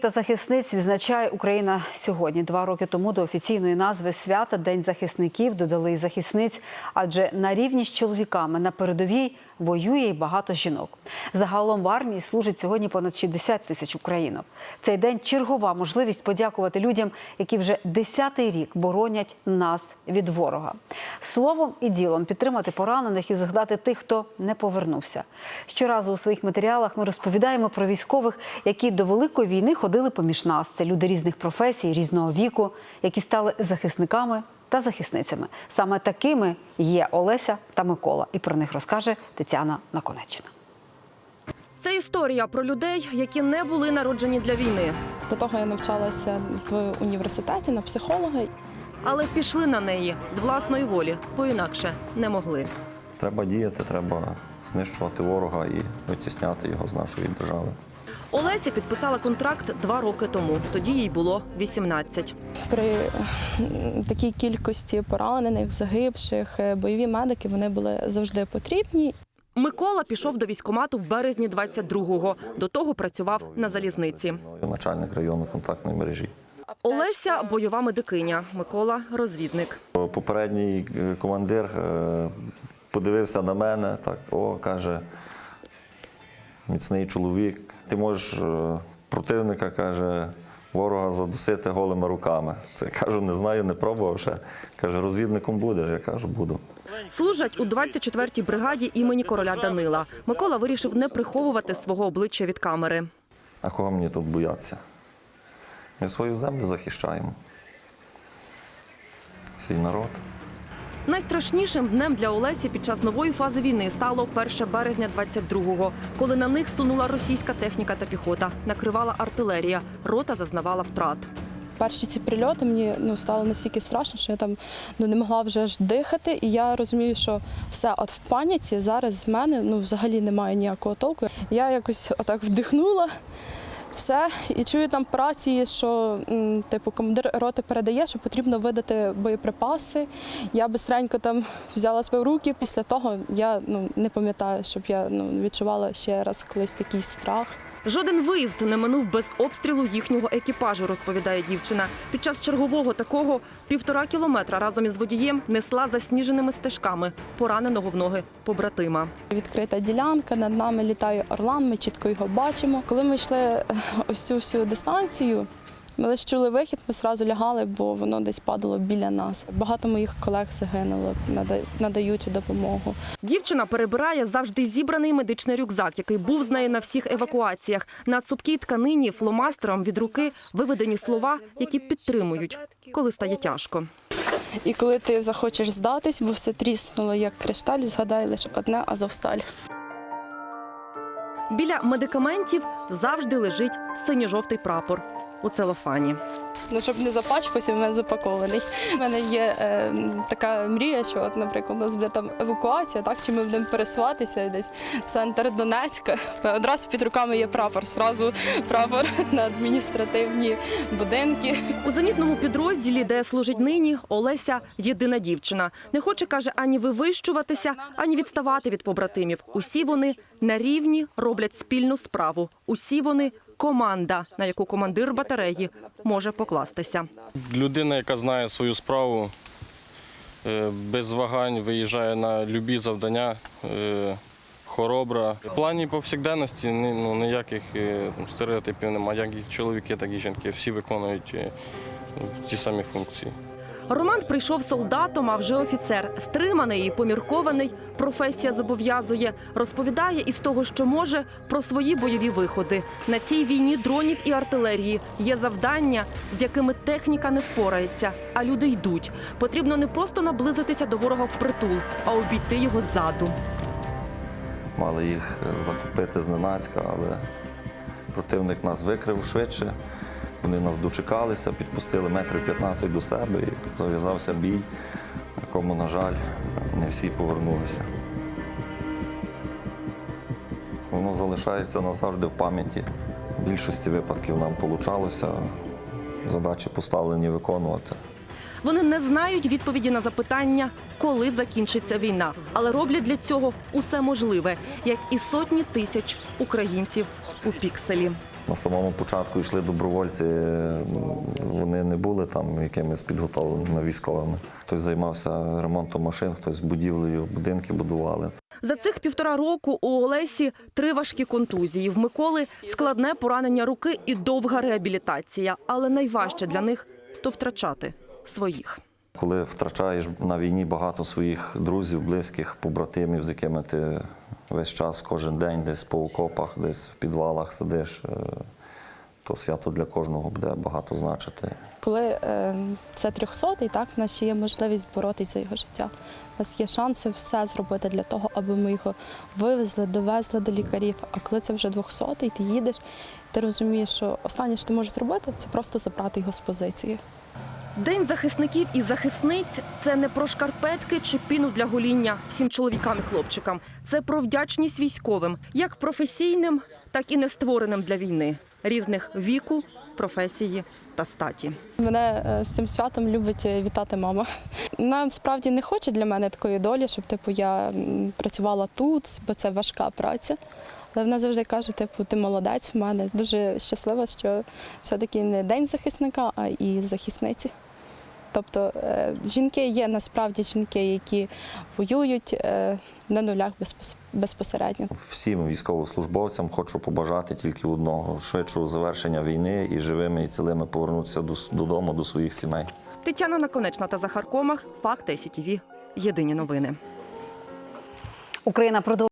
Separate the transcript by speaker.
Speaker 1: Та захисниць відзначає Україна сьогодні. 2 роки тому до офіційної назви свята День захисників додали і захисниць, адже на рівні з чоловіками на передовій воює й багато жінок. Загалом в армії служить сьогодні понад 60 тисяч українок. Цей день – чергова можливість подякувати людям, які вже 10-й рік боронять нас від ворога. Словом і ділом підтримати поранених і згадати тих, хто не повернувся. Щоразу у своїх матеріалах ми розповідаємо про військових, які до Великої війни ходили поміж нас. Це люди різних професій, різного віку, які стали захисниками та захисницями. Саме такими є Олеся та Микола. І про них розкаже Тетяна Наконечна.
Speaker 2: Це історія про людей, які не були народжені для війни.
Speaker 3: До того я навчалася в університеті на психолога.
Speaker 2: Але пішли на неї з власної волі, бо інакше не могли.
Speaker 4: Треба діяти, треба знищувати ворога і витісняти його з нашої держави.
Speaker 2: Олеся підписала контракт 2 роки тому. Тоді їй було 18.
Speaker 3: При такій кількості поранених, загибших, бойові медики, вони були завжди потрібні.
Speaker 2: Микола пішов до військкомату в березні 22-го. До того працював на залізниці.
Speaker 4: Начальник районної контактної мережі.
Speaker 2: Олеся – бойова медикиня, Микола – розвідник.
Speaker 4: Попередній командир подивився на мене, так, каже, міцний чоловік. Ти можеш противника, каже, ворога задусити голими руками. Я кажу, не знаю, не пробував ще. Каже, розвідником будеш? Я кажу, буду.
Speaker 2: Служать у 24-й бригаді імені короля Данила. Микола вирішив не приховувати свого обличчя від камери.
Speaker 4: А кого мені тут боятися? Ми свою землю захищаємо. Свій народ.
Speaker 2: Найстрашнішим днем для Олесі під час нової фази війни стало 1 березня 22-го, коли на них сунула російська техніка та піхота, накривала артилерія, рота зазнавала втрат.
Speaker 3: Перші ці прильоти мені стало настільки страшно, що я там не могла вже аж дихати. І я розумію, що все, от в паніці зараз з мене взагалі немає ніякого толку. Я якось отак вдихнула. Все, і чую там по рації, що командир роти передає, що потрібно видати боєприпаси. Я бистренько там взяла себе в руки. Після того я не пам'ятаю, щоб я відчувала ще раз колись такий страх.
Speaker 2: Жоден виїзд не минув без обстрілу їхнього екіпажу, розповідає дівчина. Під час чергового такого 1,5 кілометра разом із водієм несла засніженими стежками пораненого в ноги побратима.
Speaker 3: Відкрита ділянка, над нами літає орлан, ми чітко його бачимо. Коли ми йшли ось цю всю дистанцію, ми лише чули вихід, ми одразу лягали, бо воно десь падало біля нас. Багато моїх колег загинуло, надаючи допомогу.
Speaker 2: Дівчина перебирає завжди зібраний медичний рюкзак, який був з нею на всіх евакуаціях. На цупкій тканині фломастером від руки виведені слова, які підтримують, коли стає тяжко.
Speaker 3: І коли ти захочеш здатись, бо все тріснуло, як кришталь, згадай лише одне – Азовсталь.
Speaker 2: Біля медикаментів завжди лежить синьо-жовтий прапор у целофані.
Speaker 3: Щоб не запачкався, в мене запакований. У мене є така мрія, що, от, наприклад, у нас буде там евакуація, так, чи ми будемо пересуватися десь в центр Донецька. Одразу під руками є прапор, одразу прапор на адміністративні будинки.
Speaker 2: У зенітному підрозділі, де служить нині, Олеся – єдина дівчина. Не хоче, каже, ані вивищуватися, ані відставати від побратимів. Усі вони на рівні роблять спільну справу. Усі вони – команда, на яку командир батареї може покластися.
Speaker 5: Людина, яка знає свою справу, без вагань виїжджає на любі завдання, хоробра. В плані повсякденності ніяких стереотипів немає. Як і чоловіки, так і жінки. Всі виконують ті самі функції.
Speaker 2: Роман прийшов солдатом, а вже офіцер. Стриманий і поміркований, професія зобов'язує. Розповідає із того, що може, про свої бойові виходи. На цій війні дронів і артилерії є завдання, з якими техніка не впорається, а люди йдуть. Потрібно не просто наблизитися до ворога впритул, а обійти його ззаду.
Speaker 4: Мали їх захопити зненацька, але противник нас викрив швидше. Вони нас дочекалися, підпустили 15 метрів до себе і зав'язався бій, в якому, на жаль, не всі повернулися. Воно залишається назавжди в пам'яті. В більшості випадків нам вийшло задачі поставлені виконувати.
Speaker 2: Вони не знають відповіді на запитання, коли закінчиться війна, але роблять для цього усе можливе, як і сотні тисяч українців у Пікселі.
Speaker 4: На самому початку йшли добровольці, вони не були там якимись підготовленими військовими. Хтось займався ремонтом машин, хтось будівлею, будинки будували.
Speaker 2: За цих 1,5 року у Олесі 3 важкі контузії. В Миколи складне поранення руки і довга реабілітація. Але найважче для них – то втрачати своїх.
Speaker 4: Коли втрачаєш на війні багато своїх друзів, близьких, побратимів, з якими ти весь час, кожен день десь по окопах, десь в підвалах сидиш, то свято для кожного буде багато значити.
Speaker 3: Коли це 300-й, так, в нас ще є можливість боротися за його життя. У нас є шанси все зробити для того, аби ми його вивезли, довезли до лікарів. А коли це вже 200-й, ти їдеш, ти розумієш, що останнє, що ти можеш зробити, це просто забрати його з позиції.
Speaker 2: День захисників і захисниць – це не про шкарпетки чи піну для гоління всім чоловікам і хлопчикам. Це про вдячність військовим, як професійним, так і не створеним для війни. Різних віку, професії та статі.
Speaker 3: Мене з цим святом любить вітати мама. Вона справді не хоче для мене такої долі, щоб я працювала тут, бо це важка праця. Але вона завжди каже, ти молодець в мене. Дуже щаслива, що все-таки не день захисника, а і захисниці. Тобто жінки є насправді жінки, які воюють на нулях безпосередньо.
Speaker 4: Всім військовослужбовцям хочу побажати тільки одного – швидшого завершення війни і живими і цілими повернутися додому, до своїх сімей.
Speaker 2: Тетяна Наконечна та Захар Комах. Факти СІТВ. Єдині новини.
Speaker 1: Україна продовжує